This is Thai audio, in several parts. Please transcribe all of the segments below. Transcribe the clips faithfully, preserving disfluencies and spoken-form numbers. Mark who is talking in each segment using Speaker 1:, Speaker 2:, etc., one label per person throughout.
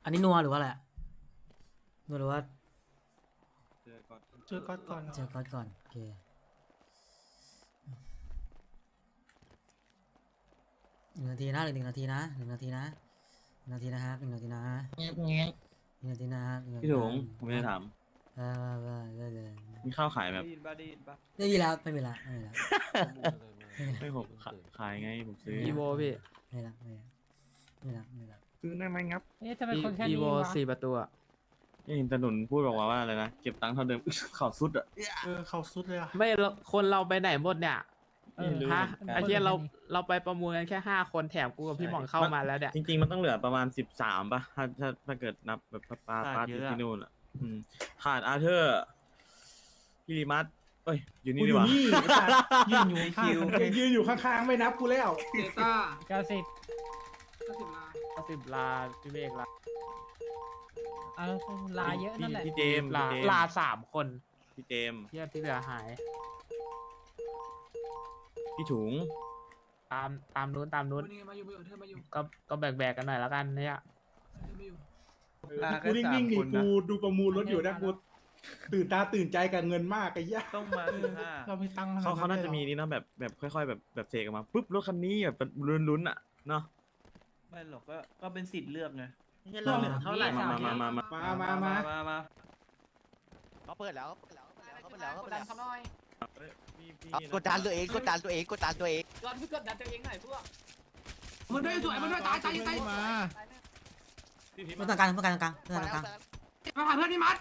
Speaker 1: อันนี้นัวหรือว่าอะไรนัวหรือว่า
Speaker 2: เจอก่อน
Speaker 3: เจอก๊อตก่อน
Speaker 1: เจอก๊อตก่อนโอเคหนึ่งนาทีนะหนึ่งนาทีนะหนึ่งนาทีนะหนึ่งนาทีนะครับหนึ่งนาทีนะ
Speaker 3: เงี้ยเงี้ย
Speaker 1: หนึ่งนาทีนะครับหนึ่นาที
Speaker 2: พี่ถุงผมไม่ได้ถาม
Speaker 1: เออเออได้เลย
Speaker 2: มีข้าวขายแบบ
Speaker 4: ได้ยินปะได้ยินปะ
Speaker 1: ไม่มีแล้วไม่มีแล้วไม่มีแล้ว
Speaker 2: ไม่ผมขายขายไงผมซื้อ
Speaker 5: อีโวพี่
Speaker 1: ไม่มีแล้วไม่มีแล้วไม่มีแล้วไม่มีแล้ว
Speaker 2: ซื้อได้ไหมครับ
Speaker 3: เอ๊ะทำไมคนแค่
Speaker 5: อี
Speaker 3: นี้
Speaker 5: โว
Speaker 3: วะ
Speaker 5: สี่ประตูอะ
Speaker 2: นี่เห็นตาหนุนพูดบอกว่าว่าอะไรนะเก็บตังค์เท่าเดิม ข่าวสุดอ่ะ
Speaker 3: เออเขาสุดเลยอะ
Speaker 5: ไม่เราคนเราไปไหนหมดเนี่ย
Speaker 3: เออ
Speaker 2: ไม่รู้
Speaker 5: ฮะ
Speaker 2: เหมือนกัน
Speaker 5: ไอ้เหี้ยเราเราไปประมูลกันแค่ห้าคนแถมกูกับพี่หม่องเข้ามาแล้วเนี่ย
Speaker 2: จริงๆมันต้องเหลือประมาณสิบสามป่ะถ้าถ้าถ้าเกิดนับแบบปาปา
Speaker 4: ขาด
Speaker 2: ปา
Speaker 4: เย
Speaker 2: ที่
Speaker 4: อะอะ
Speaker 2: ที่นู่นอ่ะอืมขาดอาร์เธอร์พี่ริมัสเอ้ยอยู่นี่
Speaker 3: กู
Speaker 2: ดี
Speaker 3: อก ยู่
Speaker 2: ว่า
Speaker 3: นี่ไอ้สัตว์ยืนอยู่ข้าง
Speaker 4: คิว
Speaker 3: ยืนอยู่ข้างๆไม่นับกูแล้ว
Speaker 6: เดต้า
Speaker 3: เก้าสิบ
Speaker 6: ก็สิบลา
Speaker 5: สิบลาพี่เมฆลา
Speaker 3: เออลาเยอะนั่นแหละ
Speaker 2: พี่เจมส์
Speaker 5: ลา
Speaker 2: พี่เจมส์
Speaker 5: ลาสามคน
Speaker 2: พี่เจมส์
Speaker 5: เหี้ยที่เหลือหาย
Speaker 2: พี่ถุง
Speaker 5: ตามตามนู้นตามนู้น
Speaker 6: วันนี้มาอยู่มาอยู่เธอมาอยู่
Speaker 5: ก็ก็แบกแบกกันหน่อยแล้วกันเนี่ย
Speaker 6: เธอมาอยู่
Speaker 4: ลา
Speaker 3: กู
Speaker 4: แค่สาม
Speaker 3: นิ่งๆดิ
Speaker 4: คนนะ
Speaker 3: กูดูประมูลรถอยู่นะกูตื่นตาตื่นใจกับเงินมากไอ้เหี้ย
Speaker 4: ต้องมาสิบห้า
Speaker 3: เราไม่ตังค์
Speaker 2: เขาเขาน่าจะมีนี่นะแบบแบบค่อยๆแบบแบบเสกออกมาปุ๊บรถคันนี้แบบลุ้นๆอ่ะเนาะ
Speaker 4: ไม่หรอกก็ก็เป็นสิทธิ์เลือกไง
Speaker 3: เราเหลือเท่าไหร่
Speaker 2: มามามามา
Speaker 3: มามามา
Speaker 4: มามา
Speaker 7: เขาเปิดแล้วเขาเปิดแล้วเขาเปิดแล้วเขา
Speaker 6: ก
Speaker 7: เปิ
Speaker 6: ด
Speaker 7: ด
Speaker 6: ดั
Speaker 7: แล้
Speaker 6: น
Speaker 7: ว
Speaker 6: เขาหน่อย
Speaker 2: พี่พี่
Speaker 7: เอากดดันตัวเองกดดันตัวเองกดดันตัวเอง
Speaker 6: ก่อนพี่กดดันตัวเองหน่อยพวกมันด้วยสวยมันด้วยตายตายตายมา
Speaker 2: พี่พี่
Speaker 1: เพื่อนต่างกลางเพื่อนกลางกลางเพื่อนต่างกลาง
Speaker 6: มาหาเพื่อนพี่มัด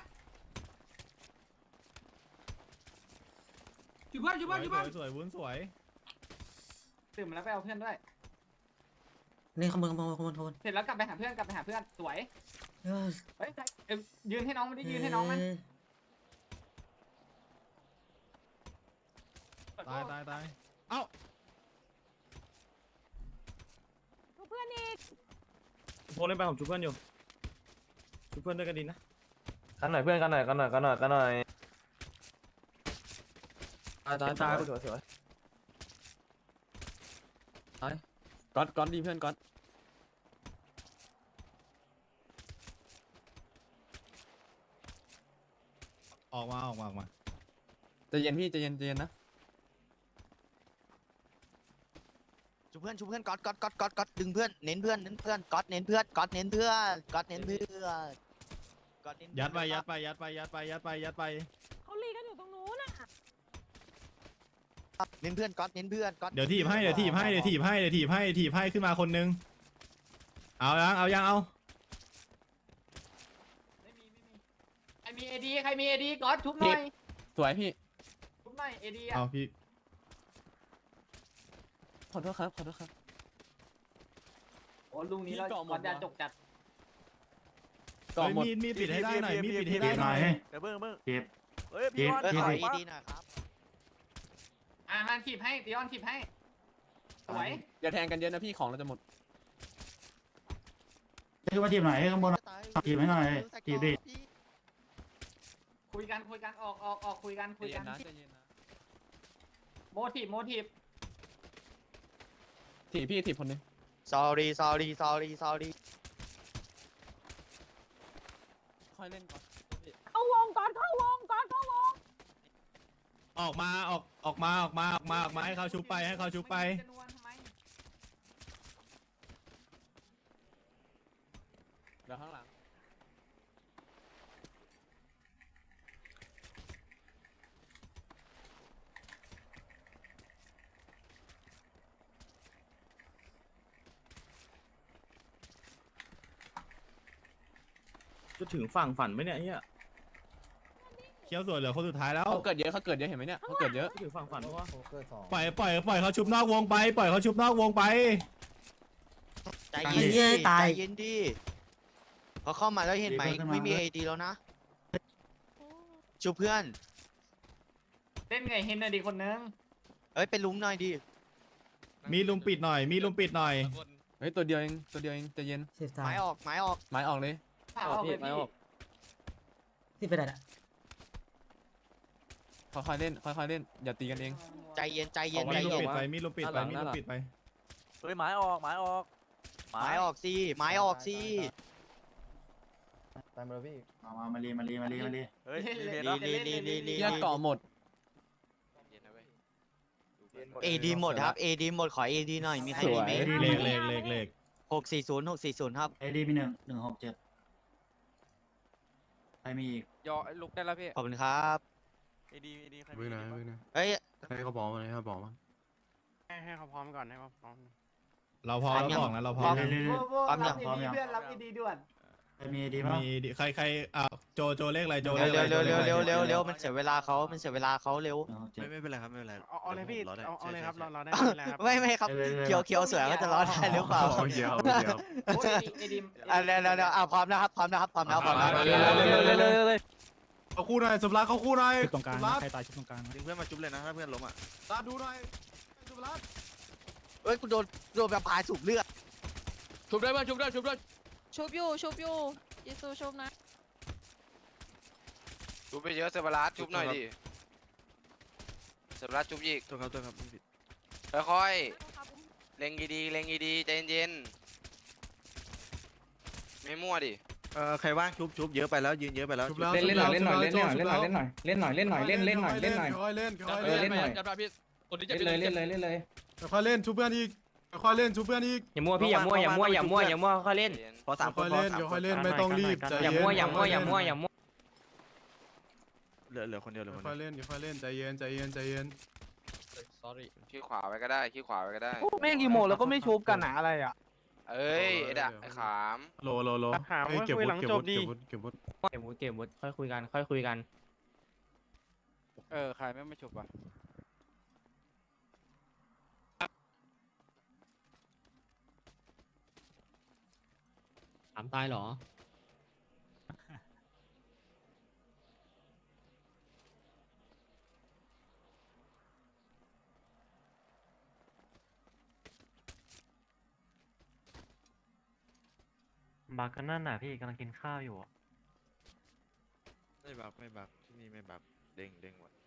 Speaker 6: อยู่บ้านอยู่บ้านอยู่บ้าน
Speaker 8: สวยวุ้นสวย
Speaker 6: ตื่นมาแล้วไปเอาเพื่อนด้วย
Speaker 1: นี่ขโมยขโมยขโมยขโมย
Speaker 6: เสร็จแล้วกลับไปหาเพื่อนกลับไปหาเพื่อนสวย
Speaker 1: เออ
Speaker 6: เฮ้ยเอ้ยยืนให้น้องมันดิยืนให้น้องมัน
Speaker 8: ตายตายตายเอ้า
Speaker 2: โทรเล่นไปผมชุบเพื่อนอยู่ชุบเพื่อนด้วยกันดีนะ
Speaker 9: กันหน่อยเพื่อนกันหน่อยกันหน่อยกันหน่อยกันหน่อยตายตายตายสวยสวยตายก๊อตก๊อตดีเพื่อนก๊อต
Speaker 8: ออกมาออกมาออกมา
Speaker 9: ใจเย็นพี่ใจเย็นใจเย็นนะ
Speaker 7: ชูเพื่อนชูเพื่อนก๊อตก๊อตก๊อตก๊อตก๊อตดึงเพื่อนเน้นเพื่อนเน้นเพื่อนก๊อตเน้นเพื่อนก๊อตเน้นเพื่อนก๊อตเน้นเพื่อนก๊อตเน้น
Speaker 8: ยัดไปยัดไปยัดไปยัดไปยัดไปยัดไป
Speaker 7: เน้นเพื่อนก๊อตเน้นเพื่อนก๊อต
Speaker 8: เดี๋ยวถีบให้เดี๋ยวถีบให้เดี๋ยวถีบให้เดี๋ยวถีบให้ถีบให้ขึ้นมาคนนึงเอายังเอายังเอา
Speaker 6: ไม่มีไม่มีใครมีเอดีใครมีเอดีก่อนทุบหน่อย
Speaker 9: สวยพี่
Speaker 6: ทุบหน่อยเอดีอ่ะ
Speaker 8: เอาพี่
Speaker 9: ขอโทษครับขอโทษครับ
Speaker 6: โอ้ลุงนี้เราก่อนจะจกจัด
Speaker 9: กล่อง
Speaker 8: เฮ้ย
Speaker 9: หมด
Speaker 8: มีดมีดปิดให้ได้หน่อยมีดปิดให้ได้หน่อย
Speaker 7: เดี๋ยวเพิ่งเพิ่ง
Speaker 2: เก็บ
Speaker 7: เฮ้ยพี่วันขออีดีหน่อยครับ
Speaker 6: อ่าฮันขีบให้ตีออนขีบให้สวย
Speaker 9: อย่าแทงกันเยอะนะพี่ของเราจะหมด
Speaker 7: คือมาทีมไหนข้างบนทีมให้หน่อยทีมดิ
Speaker 6: คุยกันคุยกันออกออกออกคุยกัน
Speaker 9: ใจ
Speaker 6: คุย
Speaker 9: เย็
Speaker 6: กัน น
Speaker 9: นะใจเย็นนะ
Speaker 6: โมทีฟโมทีฟ
Speaker 9: ถีบพี่ถีบคนนึง
Speaker 7: sorry sorry sorry sorry
Speaker 9: ค่อยเล่นก่อน
Speaker 10: เข้าวงก่อนเข้าวงก่อนเข้าวง
Speaker 8: ออกมาออกออกมาออกมาออกมาออกมาให้เขาชุบไปให้เขาชุบไป
Speaker 6: จะนวลทำไม
Speaker 9: เดี๋ยวข้างหลัง
Speaker 2: จะถึงฝั่งฝันไหมเนี่ยเฮีย
Speaker 8: เคี้ยวสวยเหลือคนสุดท้ายแล้ว
Speaker 9: เขาเกิดเยอะเขาเกิดเยอะเห็นไหมเนี่ยเขาเกิดเยอะ
Speaker 2: จะถึงฝั่งฝันเพราะว่า
Speaker 8: ปล่อยปล่อยปล่อยเขาชุบนอกวงไปปล่อยเขาชุบนอกวงไป
Speaker 7: ใจเย็นดิใจเย็นดิพอเข้ามาแล้วเห็นไหมไม่มีไอดีแล้วนะชูเพื่อน
Speaker 6: เล่นไงเฮนน่ะดีคนนึง
Speaker 7: เอ้ยเป็นลุงหน่อยดิ
Speaker 8: มีลุมปิดหน่อยมีลุมปิดหน่อย
Speaker 9: เฮ้ยตัวเดียวเองตัวเดียวเองใจเย็น
Speaker 1: สิบสา
Speaker 7: ไม้
Speaker 1: ม
Speaker 7: ออกไม้ออก
Speaker 9: ไม้ออกเลย
Speaker 6: ผ่าออกเลยพี่
Speaker 1: ที่ไปไหนอ่ะ
Speaker 9: ค่อยๆเล่นค่อยๆเล่นอย่าตีกันเอง
Speaker 7: ใจเย็นใจเย็น
Speaker 8: มี
Speaker 7: ใจ
Speaker 8: ลุม
Speaker 7: เย็น
Speaker 8: ปิดไปมีลุมปิดไปมีลุมปิดไป
Speaker 4: เฮ้ยไม้ออกไม้ออก
Speaker 7: ไม้ออกสิไม้ออกสิ
Speaker 9: ตามมาแล้วพี่
Speaker 3: มามามาลีมาลีมาลีมาลี
Speaker 7: เฮ้ยลีลีลีลีลี
Speaker 9: เหี้ยเกาะหมด
Speaker 7: เอดีหมดครับเอดีหมดขอเอดีหน่อยมีใครมีไหม
Speaker 8: เลขเลขเลขเลข
Speaker 7: หกสี่ศูนย์หกสี่ศูนย์ครับ
Speaker 3: เอดีมีหนึ่งหนึ่งหกเจ็ดใครมีอีก
Speaker 9: ยอลุกได้แล้วพี่
Speaker 7: ขอบคุณครับ
Speaker 9: เอดีเอดีใคร
Speaker 11: วิ่งนะวิ่งนะ
Speaker 7: เฮ้ย
Speaker 11: ให้เขาบอกมาให้เขาบอกมา
Speaker 9: ให้ให้เขาพร้อมก่อนให้เขาพร้อม
Speaker 8: เราพอแล้วบอกนะเราพอ
Speaker 3: เรื่อย
Speaker 7: พร้อมยัง
Speaker 3: ๆพร้อมยัง
Speaker 4: เพื่อนรับดีๆด่วน
Speaker 3: ใครมีดีมั้ง
Speaker 8: มีดิใครใครอ่าโจโจเลขอะไรโจ
Speaker 7: เร็ว
Speaker 8: เลข
Speaker 7: เร็ว
Speaker 8: อะไร
Speaker 7: เร็ว
Speaker 8: โจ
Speaker 7: เร็ว
Speaker 8: ลขอะไร
Speaker 7: เร็วเร็วเร็วมันเสียเวลาเขามันเสียเวลาเขาเร็ว
Speaker 3: หนึ่งหกเจ็ด
Speaker 11: ไม่ไม่เป็นไรครับไม่เป็นไร
Speaker 9: เอาเอาเลยพี่
Speaker 11: รอได้
Speaker 9: เอาเอาเลยครับ
Speaker 11: ใช่
Speaker 9: เรา
Speaker 11: ใช่
Speaker 9: เราได้ไม่เป็นไรครับ
Speaker 7: ไม่ไม่ครับเคียวเคียวสวยก็จะรอดได้หรือเปล่า
Speaker 11: โอเคครับโอเคครับ
Speaker 6: โอ้ยไอ้ดิม
Speaker 7: อ่ะเร็วเร็วเร็วอ่ะพร้อมนะครับพร้อมนะครับพร้อมแล้วพร้อมแล้ว
Speaker 8: เขาคู่หน่อยสมรักเขาคู่หน่อย
Speaker 5: ตรงกลาง
Speaker 8: สมรัก
Speaker 5: ใครตายชุดตรงกลาง
Speaker 11: ดึงเพื่อนมาจุ๊บเลยนะถ้าเพื่อนล้มอ่ะ
Speaker 8: ตาดูหน่อยสมรัก
Speaker 7: เฮ้ยกูโดนโดนแบบพายสูบเลือด
Speaker 9: ชุบได้ป่ะชุบได้ชุบได้
Speaker 10: ชุบอยู่ชุบอยู่ยิซูชุบนะ
Speaker 9: ชุบไปเยอะเซบารัสชุบหน่อยดิเซบารัสชุบอีก
Speaker 11: ตัวครับตัวครับไม่ผิด
Speaker 9: ค่อยๆเล็งดีๆเล็งดีๆใจเย็นๆไม่มั่วดิ
Speaker 11: เออใครว่างชุบชุบเยอะไปแล้วยืนเยอะไปแล้ว
Speaker 8: ชุบแล้ว
Speaker 4: เล่นเล่นหน่อยเล่นหน่อยเล่นหน่อยเล่นหน่อยเล่นหน่อยเล่นหน่อยเล่นหน่อยเล่นเล่นหน่อยเล่นหน่อย
Speaker 8: ค่อยเล่นค่อย
Speaker 4: เอ
Speaker 8: เล่
Speaker 4: อน เล่นหน่อย
Speaker 9: จับได้พี่คนที่จะ
Speaker 4: เล่นเลยเล่นเลยเล่นเลย
Speaker 8: ค่อยเล่นชุบเพื่อนอีกค่อยเล่นชุบเพื่อนอีก
Speaker 2: อย่ามั่วพี่อย่ามั่วอย่ามั่วอย่ามั่วอย่ามั่วค่อยเล่น
Speaker 11: พอสามค
Speaker 8: ค่อน ย
Speaker 11: พอ
Speaker 8: เล่น
Speaker 11: สาม
Speaker 8: เดี๋ยว
Speaker 11: ค
Speaker 8: ค่อย
Speaker 11: น
Speaker 8: เล่นไม่ต้องรีบใจ
Speaker 2: อย่า
Speaker 8: เย็น
Speaker 2: มั่วอย่ามั่วอย่ามั่วอย่ามั่ว
Speaker 11: เหลือเหลือคนเดียวเหลือคน
Speaker 8: ค่
Speaker 11: เดี
Speaker 8: อย
Speaker 11: ยว
Speaker 8: เล่นค่อยเล่นใจเย็นใจเย็นใจเย็น
Speaker 9: ขี้ขวาไว้ก็ได้ขี้ขวาไว้ก็ได้
Speaker 5: แม่งกี่โมงแล้วก็ไม่ชุบกันอะอะไรอ่ะ
Speaker 9: เอ้ยไอ้ดะไอ้ขาม
Speaker 8: โลโลโล
Speaker 5: ถาม
Speaker 8: เฮ้ย
Speaker 5: ว่า
Speaker 8: เก็บ
Speaker 5: คุย
Speaker 8: วุ
Speaker 5: หลั
Speaker 8: ฒิ
Speaker 5: ง
Speaker 8: เก็บ
Speaker 5: จ
Speaker 8: วุ
Speaker 5: บ
Speaker 8: ฒิ
Speaker 5: ดี
Speaker 8: เก็บวุฒิเก็บวุฒิ
Speaker 2: เก็บวุฒิเก็บวุฒิค่อยคุยกันค่อยคุยกัน
Speaker 9: เออใครไม่ไม่ชุบอ่ะ
Speaker 5: ถามตายเหรอ
Speaker 4: บักกันนั่นน่ะพี่กำลังกินข้าวอยู่
Speaker 11: ไม่บักไม่บักที่นี่ไม่บักเด้งเด้งหมด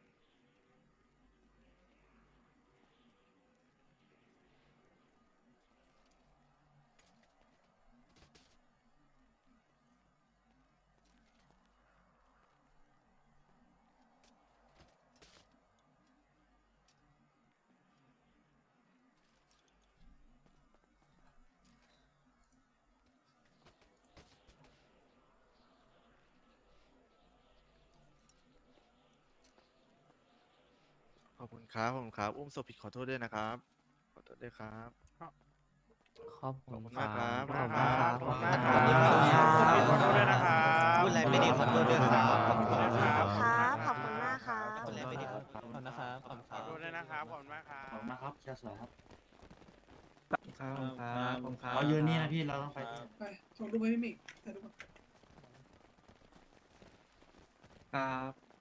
Speaker 11: ขอบคุณครับขอบคุณครับอุ้มศพผิดขอโทษด้วยนะครับขอโทษด้วยครับ
Speaker 2: ขอบ
Speaker 11: ขอบคุณมากครับ
Speaker 2: ขอบคุณครับ
Speaker 5: ขอบคุณมาก
Speaker 7: ขอบคุณครับ
Speaker 5: ขอโทษด้วยนะครับ
Speaker 7: พูดอะไรไม่ดีขอโทษด้วยครับขอบคุณครับ
Speaker 10: ครับขอบคุณมากครับ
Speaker 7: พูดอะไรไม่ดีขอโทษ
Speaker 2: ขอบคุณนะครับขอบคุณค
Speaker 5: ข
Speaker 2: รั
Speaker 5: อบ โทษด้วยนะครับขอบคุณมากครับ
Speaker 3: ขอบคุณมากครับเชียร์สวยครับ
Speaker 4: ครับครับผมครับ
Speaker 3: เรายืนนี่นะพี่เราต้องไป
Speaker 6: ไปส่งรูปไปพี่มิกถ่ายรูปก่อน
Speaker 4: ครับ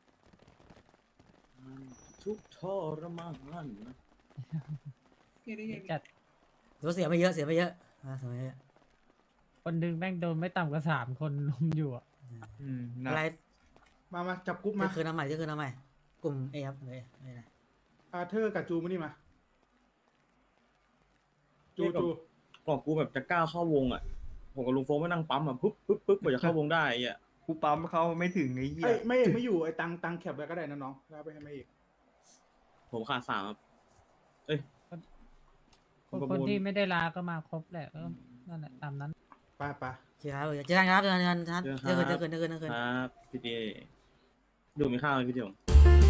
Speaker 2: ทุกทรมาน
Speaker 6: เฮ้ยได้ยัง
Speaker 5: จัด
Speaker 1: ถือว่าเสียไม่เยอะเสียไม่เยอะอ่าเสียไม่เยอะ
Speaker 5: คนดึงแม่งโดนไม่ต่ำกว่าสามคนลุมอยู่อ่ะ
Speaker 4: อืมนะ
Speaker 1: อะไร
Speaker 3: มามาจับกรุ๊ป
Speaker 1: มา
Speaker 3: มา
Speaker 1: คืนน้ำใหม่ที่คืนน้ำใหม่กลุ่มเอครับเลยนี่นะ
Speaker 3: อาเธอร์กับจูมานี่มาจูจู
Speaker 2: ก่อนกูแบบจะก้าวเข้าวงอ่ะผมกับลุงโฟมไม่นั่งปั๊มอ่ะปุ๊บปุ๊บปุ๊บกว่าจะเข้าวงได้ไอ่ะ
Speaker 4: กูปั๊มเขาไม่ถึงไอ้เหี้ย
Speaker 3: เอ้ยไม่เอกไม่อยู่ไอ้ตังตังแคปไว้ก็ได้นะน้องแล้วไปให้ไม่เอก
Speaker 2: ผมขาดสามครับเอ้ยผมประ
Speaker 5: คน
Speaker 2: มูล
Speaker 5: ที่ไม่ได้ลาก็มาครบแหละก็นั่นแหละตามนั้น
Speaker 3: ไปไป
Speaker 1: โอเคครับเจอกันครับเจอกันเจอกันเจอกันเจอกันเจอกันเจอกันเจอกัน
Speaker 2: ครับพี่เจดูมีข้าวไหมพี่เดียว